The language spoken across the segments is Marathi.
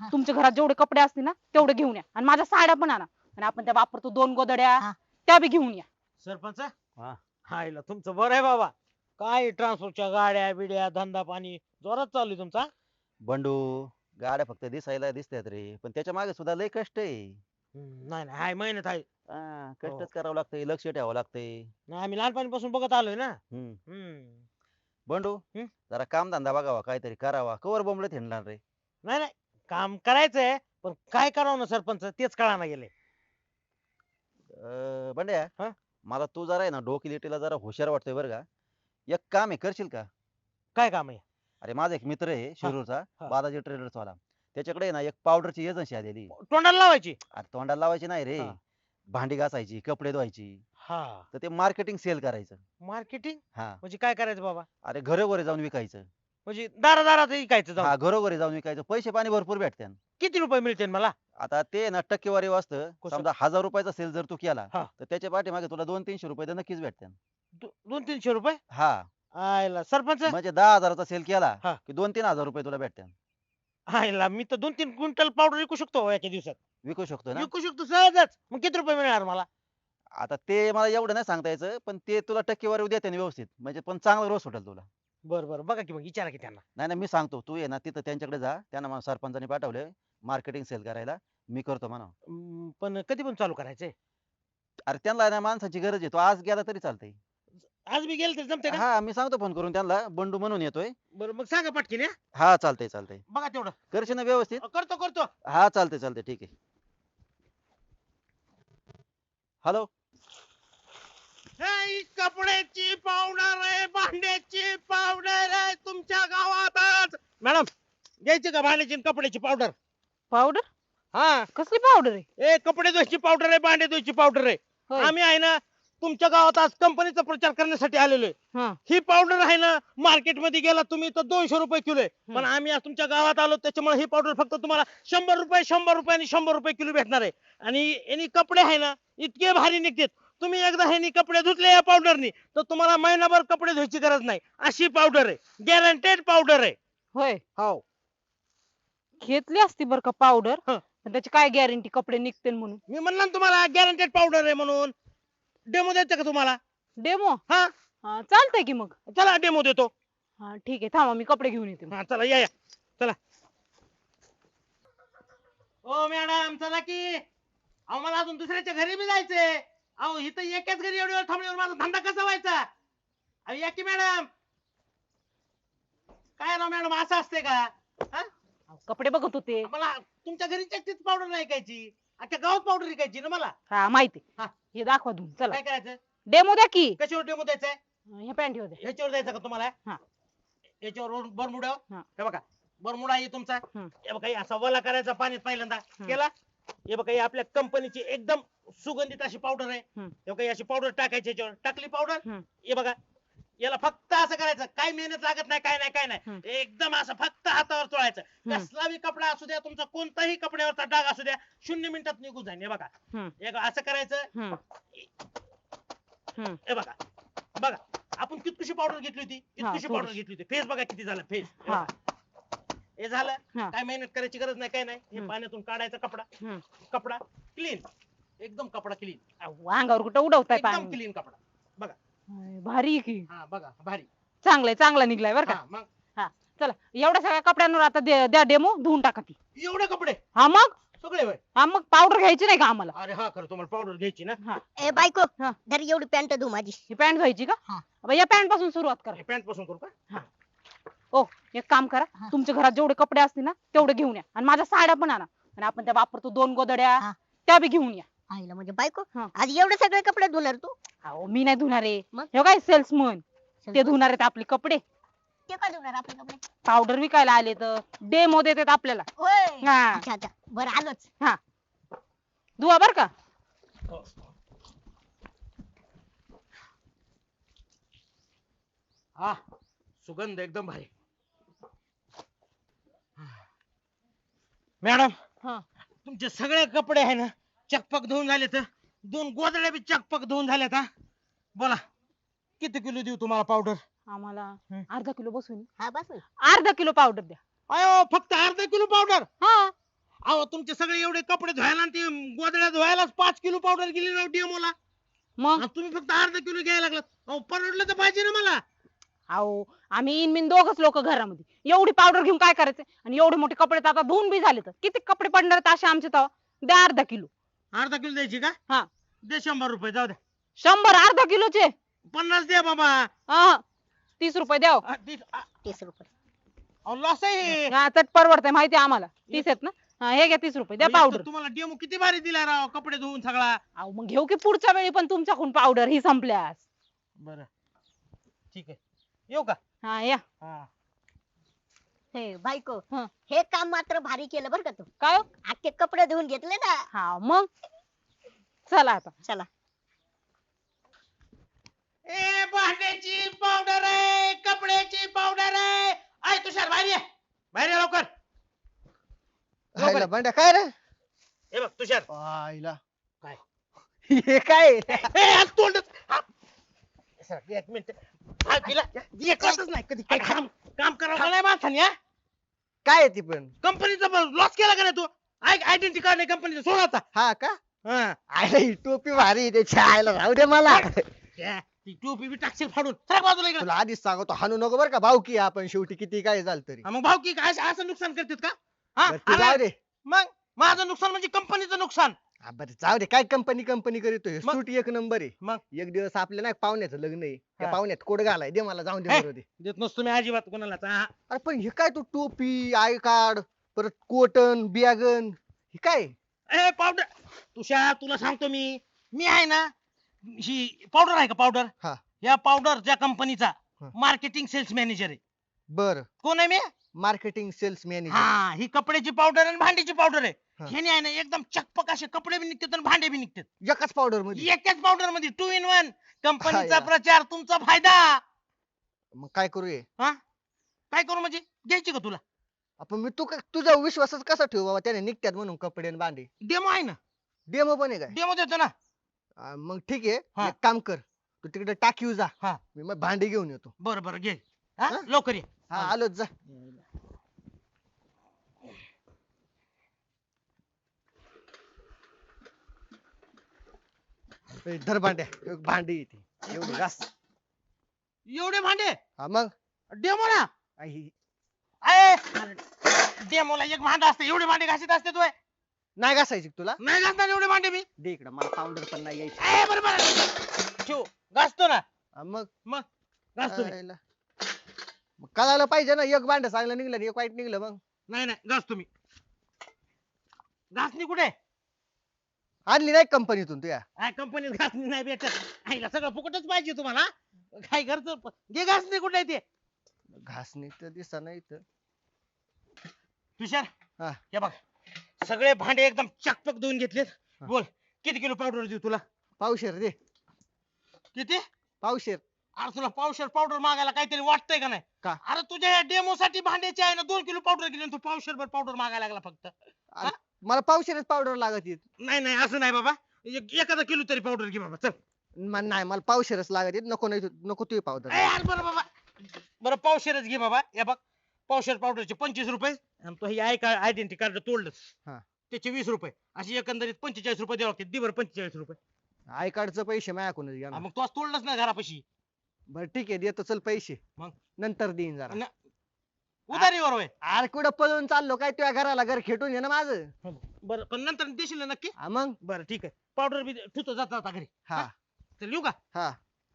तुमच्या घरात जेवढे कपडे असतील ना तेवढे घेऊन या आणि माझ्या साड्या पण आणा आणि आपण त्या वापरतो 2 गोदड्या हा. त्या बी घेऊन या. सरपंच हा. हायला तुमचं बरं आहे बाबा. काय ट्रान्सपोर्टच्या गाड्या बिड्या धंदा पाणी जोरात चालू आहे तुमचा. बंडू, गाड्या फक्त दिसायला दिसतात रे, पण त्याच्या मागे सुद्धा लय कष्ट आहे. नाही नाही हाय मेहनत आहे. कष्टच करावं लागतंय, लक्ष ठेवावं लागतंय. नाही आम्ही लहानपणीपासून बघत आलोय ना. हम्म. हम्म. बंडू, हम्म? जरा काम धंदा बघावा, काहीतरी करावा. कवर बोंबलत हिंडणार रे. नाही नाही काम करायचंय पण काय करावं ना सरपंच तेच कळाना गेले. बंड्या, हा? मला तू जरा आहे ना डोकिलीटीला जरा हुशार वाटतोय बरं का. एक काम आहे, करशील का? काय काम आहे. अरे माझा एक मित्र आहे शिरूरचा, हा. बालाजी ट्रेडर्स वाला. त्याच्याकडे आहे ना एक पावडरची एजन्सी आलेली. तोंडाला लावायची. अरे तोंडाला लावायची नाही रे, हा. भांडी घासायची, कपडे धुवायची. हा तर ते मार्केटिंग सेल करायचं. मार्केटिंग हा. म्हणजे काय करायचं बाबा. अरे घरोघरी जाऊन विकायचं. म्हणजे दारादारात विकायचं जाऊन. हा, घरोघरी जाऊन विकायचं. पैसे पाणी भरपूर भेटतात. किती रुपये मिळतील मला. आता ते ना टक्केवारी असतं. कसं? समजा 1000 रुपयाचा सेल जर तू केला हा. तर त्याच्या पाठीमागे तुला 200-300 रुपये तर नक्कीच भेटतात. 200-300 रुपये. हा, आयला सरपंच. म्हणजे 10,000चा सेल केला हा. की 2-3 हजार रुपये तुला भेटतात. आयला मी तर 2-3 क्विंटल पावडर विकू शकतो हो एका दिवसात. विकू शकतो ना. विकू शकतो सहजच. मग किती रुपये मिळणार मला. आता ते मला एवढं नाही सांगता यायचं, पण ते तुला टक्केवारी देते ना व्यवस्थित, म्हणजे पण चांगला रोज सुटेल तुला. बरं बरं बघा की मग विचारा की त्यांना. नाही नाही, मी सांगतो. तू ये ना तिथं त्यांच्याकडे जा. त्यांना मला सरपंचाने पाठवले मार्केटिंग सेल करायला. मी करतो म्हणा. पण कधी पण चालू करायचंय. अरे त्यांना ना माणसाची गरज आहे. तो आज गेला तरी चालतंय. आज मी गेल तर जमते का. हा, मी सांगतो फोन करून त्यांना, बंडू म्हणून येतोय. बरं मग सांगा पटकीन हा. हा, चालतंय चालतंय. बघा तेवढं. करशील ना व्यवस्थित. करतो करतो. हा, चालतंय चालतंय, ठीक आहे. हॅलो. ही कपड्याची पावडर आहे भांड्याची पावडर आहे तुमच्या गावातच. मॅडम घ्यायची का भांड्याची आणि कपड्याची पावडर. पावडर हा कसली पावडर आहे. ए कपडे धुवायची पावडर आहे भांडे धुवायची पावडर आहे. होय. आम्ही आहे ना तुमच्या गावात आज कंपनीचा प्रचार करण्यासाठी आलेलो आहे. हा. ही पावडर आहे ना मार्केट मध्ये गेला तुम्ही तर 200 रुपये किलो आहे. पण आम्ही आज तुमच्या गावात आलो त्याच्यामुळे ही पावडर फक्त तुम्हाला 100 रुपये आणि 100 रुपये किलो भेटणार आहे. आणि यांनी कपडे आहे ना इतके भारी निघतात. तुम्ही एकदा ह्यांनी कपडे धुतले या पावडरनी तर तुम्हाला महिनाभर कपडे धुवायची गरज नाही. अशी पावडर आहे गॅरंटेड पावडर आहे. होय, हो घेतली असती बर का पावडर, हं. पण त्याची काय गॅरंटी कपडे निघतील म्हणून. मी म्हणलं ना तुम्हाला गॅरंटेड पावडर आहे म्हणून. डेमो द्यायचा का तुम्हाला. डेमो हा चालतंय की मग. चला डेमो देतो. हा ठीक आहे, थांबा मी कपडे घेऊन येते. हा चला या या चला. ओ मॅडम चला की. अहो मला अजून दुसऱ्याच्या घरी बी जायचंय. अहो इथं एकाच घरी एवढी वेळ थांबल्यावर माझा धंदा कसा व्हायचा. अहो या की मॅडम. काय ना मॅडम असं असते का. हा? कपडे बघत होते. मला तुमच्या घरी चक्कीच पावडर नाही ऐकायची. अख्ख्या गावात पावडर विकायची ना मला. हा माहिती. हा. हे दाखवा धुवून. चला काय करायचं. डेमो द्या की. कशावर डेमो द्यायचंय. ह्या पॅन्ट द्या. ह्याच्यावर द्यायचं का तुम्हाला. हा. याच्यावर बरमुडा. हा. हे बघा बरमुडा आहे तुमचा. हम्म. हे बघा हे असा वला करायचा पाण्यात पहिल्यांदा केला. हे बघा ही आपल्या कंपनीची एकदम सुगंधित अशी पावडर आहे. हे बघा ही अशी पावडर टाकायची याच्यावर. टाकली पावडर. हे बघा याला फक्त असं करायचं. काही मेहनत लागत नाही काय नाही काय नाही. एकदम असं फक्त हातावर चोळायचं. कसला बी कपडा असू द्या तुमचा कोणताही कपड्यावरचा डाग असू द्या 0 मिनिटात निघून जाईल. हे बघा एक असं करायचं. हे बघा बघा आपण कितकुशी पावडर घेतली होती. कितकुशी पावडर घेतली होती. फेस बघा किती झाला फेस. हे झालं. काय मेहनत करायची गरज नाही काय नाही. हे पाण्यातून काढायचा कपडा. कपडा क्लीन एकदम कपडा क्लीन. अंगावर कुठं उडवताय एकदम पाणी. क्लीन कपडा. बघा भारी आहे की. हा बघा भारी. चांगलाय, चांगला निघलाय बर का. हा, मग हा चला एवढ्या सगळ्या कपड्यांवर आता द्या डेमो धुवून टाका ती. एवढे कपडे हा मग. सगळे होय. हा मग पावडर घ्यायची नाही का आम्हाला. अरे हा खरं तुम्हाला पावडर घ्यायची ना. हा. ए बायको हा. धर एवढी पॅन्ट धु माझी. ही पॅन्ट घ्यायची का. हा. अब या पॅन्ट पासून सुरुवात करा. पॅन्ट पासून करू का. ओ एक काम करा. तुमच्या घरात जेवढे कपडे असतील ना तेवढे घेऊन या आणि माझ्या साड्या पण आणा आणि आपण त्या वापरतो 2 गोदड्या हा. त्या बी घेऊन या. आईला म्हणजे बायको हा. आज एवढे सगळे कपडे धुणार तू. अहो मी नाही धुणार आहे. मग? हे काय सेल्समन ते धुणार आहेत आपले कपडे. ते का धुणार आपले कपडे. पावडर विकायला आले तर डेमो देतात आपल्याला. होय. हा. अच्छा अच्छा बरं आलोच. हा धुवा बर का. हा सुगंध एकदम भारी. मॅडम हा. तुमचे सगळे कपडे आहे ना चकपक धुवून झाले तर 2 गोदड्या बी चकपक धुवून झाल्यात. हा बोला किती किलो देऊ तुम्हाला पावडर. आम्हाला अर्धा किलो बसून. हा बस. अर्धा किलो पावडर द्या. अयो फक्त अर्धा किलो पावडर. हा अहो तुमचे सगळे एवढे कपडे धुवायला आणि ते गोदड्या धुवायलाच 5 किलो पावडर गेली ना डेमोला. मग तुम्ही फक्त अर्धा किलो घ्यायला लागलात. अहो परवडलं तर पाहिजे ना मला. अहो आम्ही इनमिन दोघच लोक घरामध्ये एवढी पावडर घेऊन काय करायचं आणि एवढे मोठे कपडे तर आता धुवून बी झाले तर किती कपडे पडणार आहेत असे आमचे तर द्या अर्धा किलो. अर्धा किलो द्यायची का? हा दे 100 रुपये जाऊ द्या. 100 अर्धा किलोचे 50 द्या बाबा. हा 30 रुपये द्या हो. 30 रुपये. लॉस आहे हे. हा चट परवडतंय माहिती आहे आम्हाला 30 आहेत ना. हा हे घ्या 30 रुपये द्या एक तर पावडर. तुम्हाला डेमो किती भारी दिला राव कपडे धुवून सगळा. अहो मग घेऊ की पुढच्या वेळी पण तुमच्याकडून पावडर ही संपल्यास. बरं ठीक आहे येऊ का? हा या. हा. हे बायको हं. हे काम मात्र भारी केलं बरं का तू. काय हो? अख्खे कपडे धुवून घेतले ना. हा मग चला आता. चला. ए भांड्याची पावडर आहे, कपड्याची पावडर आहे. आय तुषार बाहेर ये. बाहेर ये लवकर. आईला बंड्या काय रे? हे बघ तुषार. आईला काय? हे काय? ए आज तोंड. एक मिनिट. हा, तिला हे कळतच नाही कधी काय काम करावं नाही माणसाने. हा काय आहे ती पण? कंपनीचा लॉस केला का नाही तू? आयडेंटिटी कार्ड नाही कंपनीचा सोड आता. हा का? हा. आईला ही टोपी भारी आहे, त्याची आईला राहू दे मला. त्या, ती टोपी बी टाकशील फाडून. सरक बाजूला इकडे. तुला आधीच सांगतो हाणू नको बरं का, भाऊ की आपण शेवटी किती काय झालं तरी. मग भाऊ की काय असं नुकसान करतात का? हा बरं, ते जाऊ अरे, दे. मग माझं नुकसान म्हणजे कंपनीचं नुकसान. हा, बरं जाऊ दे, काय कंपनी कंपनी करतोय. मग? सूट एक नंबर आहे. मग? एक दिवस आपल्या नाही पाहुण्याचं लग्न आहे, त्या हा. पाहुण्यात कोड घालाय दे मला, जाऊन दे हे? बरोबर दे. देत नसतो मी अजिबात कोणाला. हा. अरे पण हे काय, तू टोपी, आय कार्ड, परत कोटन बियागन, हे काय? ए पावडर तुषार तुला सांगतो मी आहे ना ही पावडर आहे का पावडर. हा. या पावडर ज्या कंपनीचा हा. मार्केटिंग सेल्स मॅनेजर आहे. बर, कोण आहे मी? Marketing cells manager. हा ही कपड्याची पावडर आणि भांडीची पावडर आहे. हा. ह्याने आहे ना एकदम चकपक असे कपडे बी निघतात आणि भांडे बी निघतात एकाच पावडर मध्ये. एकाच पावडर मध्ये 2 in 1. कंपनीचा हाया. प्रचार तुमचा फायदा. मग काय करूया हा काय करू म्हणजे घ्यायची का तुला? आपण, मी तुझा विश्वासच कसा ठेवू बाबा, त्याने निघतात म्हणून कपडे आणि भांडे. डेमो आहे ना. डेमो पण आहे काय? डेमो देतो ना. मग ठीक आहे, हा. एक काम कर, तू तिकडे टाकीव जा, हा. मी मग भांडी घेऊन येतो. बरं बरं घे. हा हा? लवकर ये. हा आलोच जा. ए, धर भांड्या, एक भांडी येते एवढी घास. एवढे भांडे हा मग डेमो ना. आई, डेमोला एक भांडं असतं एवढे भांडे घासीत असते तू. नाही घासायची का तुला? नाही घासणार एवढे भांडे मी. दे इकडं, मला पावडर पण नाही यायची. बरं बरं ठेव घासतो ना. हा, मग घासतो मी. आईला. मग कळायला पाहिजे ना, एक भांड चांगलं निघलं आणि एक वाईट निघलं. मग नाही नाही घासतो मी. घासणी कुठे? आणली नाही कंपनीतून तुया? काय कंपनीत घासणी नाही भेटत. आईला सगळं फुकटच पाहिजे तुम्हाला. काय घरचं घे घासणी कुठे आहे ते? घासणी तर दिसा नाही तर. तुषार हा. हे बघ सगळे भांडे एकदम चकपक धुवून घेतलेत. हा. बोल किती किलो पावडर देऊ तुला? पावशेर दे, किती? पावशेर. अरे तुला पावशेर पावडर मागायला काहीतरी वाटतंय का नाही? का? अरे तुझ्या डेमो साठी भांड्याचे आहे ना 2 किलो पावडर गेली तू पावशेर भर पावडर मागायला लागला फक्त. अरे, मला पावशेरच पावडर लागत येत. नाही नाही असं नाही बाबा. एखादा किलो तरी पावडर घे बाबा चल. नाही, मला पावशेरच लागत येत. नको नाही नको तुझी पावडर. यार बरं बाबा बरं पावशेरच घे बाबा. हे बघ पावशेर पावडरचे 25 रुपये आणि तो ही आयडेंटिटी कार्ड तोडलंच हा. त्याचे 20 रुपये अशी एकंदरीत 45 रुपये द्यावं लागते. दे बरं 45 रुपये. आय कार्डचे पैसे माझ्याकडूनच घ्या ना. मग तू आज तोडलंच ना घरापाशी. बरं ठीक आहे, देतो चल पैसे. मग? नंतर देईन जरा. उधारीवर होय. अरे कुठं पळून चाललो काय, तुझ्या घराला घर खेटून ये ना माझं. बरं पण नंतर देशील ना नक्की? हा मग. बरं ठीक आहे. पावडर बी ठेवतो जाता जाता घरी. हा चल येऊ का? हा.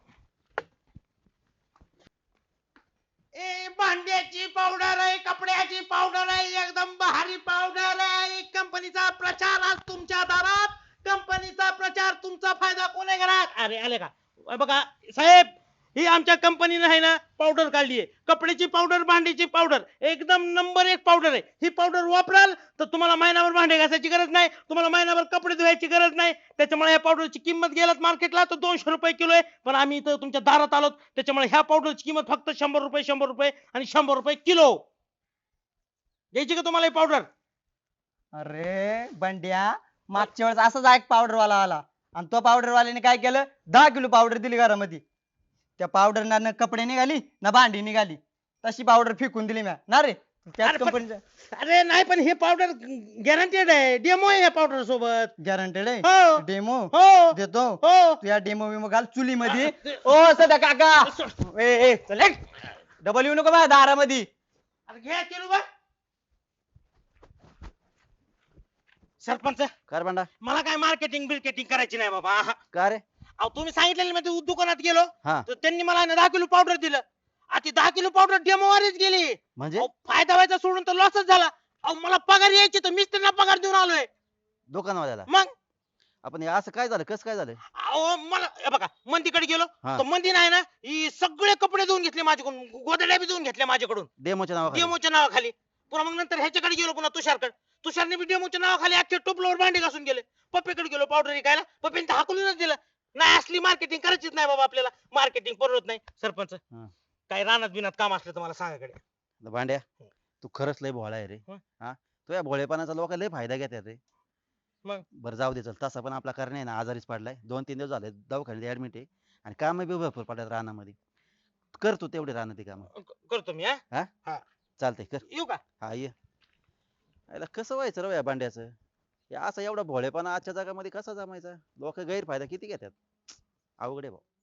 भांड्याची पावडर आहे, कपड्याची पावडर आहे, एकदम भारी पावडर आहे. कंपनीचा प्रचार आज तुमच्या दारात. कंपनीचा प्रचार तुमचा फायदा कोणी घेणार? अरे आले का? बघा साहेब ही आमच्या कंपनीने आहे ना पावडर काढली आहे. कपड्याची पावडर, भांडीची पावडर, एकदम नंबर 1 पावडर आहे. ही पावडर वापराल तर तुम्हाला महिनाभर भांडे घासायची गरज नाही, तुम्हाला महिनाभर कपडे धुवायची गरज नाही. त्याच्यामुळे या पावडरची किंमत गेलात मार्केटला तर 200 रुपये किलो आहे. पण आम्ही इथं तुमच्या दारात आलोत त्याच्यामुळे ह्या पावडरची किंमत फक्त 100 रुपये, 100 रुपये आणि 100 रुपये किलो. घ्यायची का तुम्हाला ही पावडर? अरे बंड्या, मागच्या वेळेस असाच एक पावडर वाला आला आणि तो पावडर वाल्याने काय केलं, 10 किलो पावडर दिली घरामध्ये. त्या पावडर ना कपडे निघाली ना भांडी निघाली, तशी पावडर फेकून दिली म्या ना रे. त्याच अरे पण- कंपनीचं अरे नाही पण हे पावडर गॅरंटेड आहे डेमो आहे या पावडर सोबत गॅरंटेड आहे हो डेमो हो देतो हो तू या डेमो विमो घाल चुलीमध्ये अरे, ओ सध्या काका ए चल डबल येऊ नको माझ्या दारामध्ये अरे घ्या केलू बा सरपंच कार भांडा मला काय मार्केटिंग बिल्केटिंग करायची नाही बाबा आहा. का रे अहो तुम्ही सांगितलेलं मी ते दुकानात गेलो हा तर त्यांनी मला ना 10 किलो पावडर दिलं आता ती 10 किलो पावडर डेमो वारीच गेली म्हणजे अहो, फायदा व्हायचा सोडून तर लॉसच झाला अहो मला पगार यायची तर मीच त्यांना पगार देऊन आलोय दुकानवाल्याला मग आपण हे असं काय झालं कसं काय झालं अहो मला हे बघा मंदीकडे गेलो हा. तर मंदी नाही ना ही सगळे कपडे धुवून घेतले माझ्याकडून गोदड्या बी धुवून घेतल्या माझ्याकडून डेमोच्या नावाखाली डेमोच्या नावाखाली पुन्हा मग नंतर ह्याच्याकडे गेलो पुन्हा तुषारकडे तुषारने बी डेमोच्या नावाखाली अख्ख्या टोपलावर भांडी घासून गेले पप्पीकडे गेलो पावडर विकायला पप्पीने हाकलूनच दिलं नाही असली मार्केटिंग करायचीच नाही बाबा आपल्याला मार्केटिंग परवडत नाही सरपंच हा. काय रानात बिनात काम असलं तर मला सांगाकडे भांड्या तू खरंच लय भोळा आहे रे हं. हा तुझ्या भोळेपणाचा लोक लय फायदा घेतात रे मग? बरं जाऊ दे चल तसा पण आपला करणे ना आजारीच पडलाय 2-3 दिवस झाले दवाखान्यात ऍडमिट आहे आणि काम बी भरपूर पडतात रानामध्ये कर तू तेवढे रानात काम करतो मी हा चालतंय कर येऊ का हा ये याला कसं व्हायचं रे या भांड्याचं या असं एवढा भोळेपणा आजच्या जगामध्ये कसा जमायचा लोक गैरफायदा किती घेतात अवघड आहे भाऊ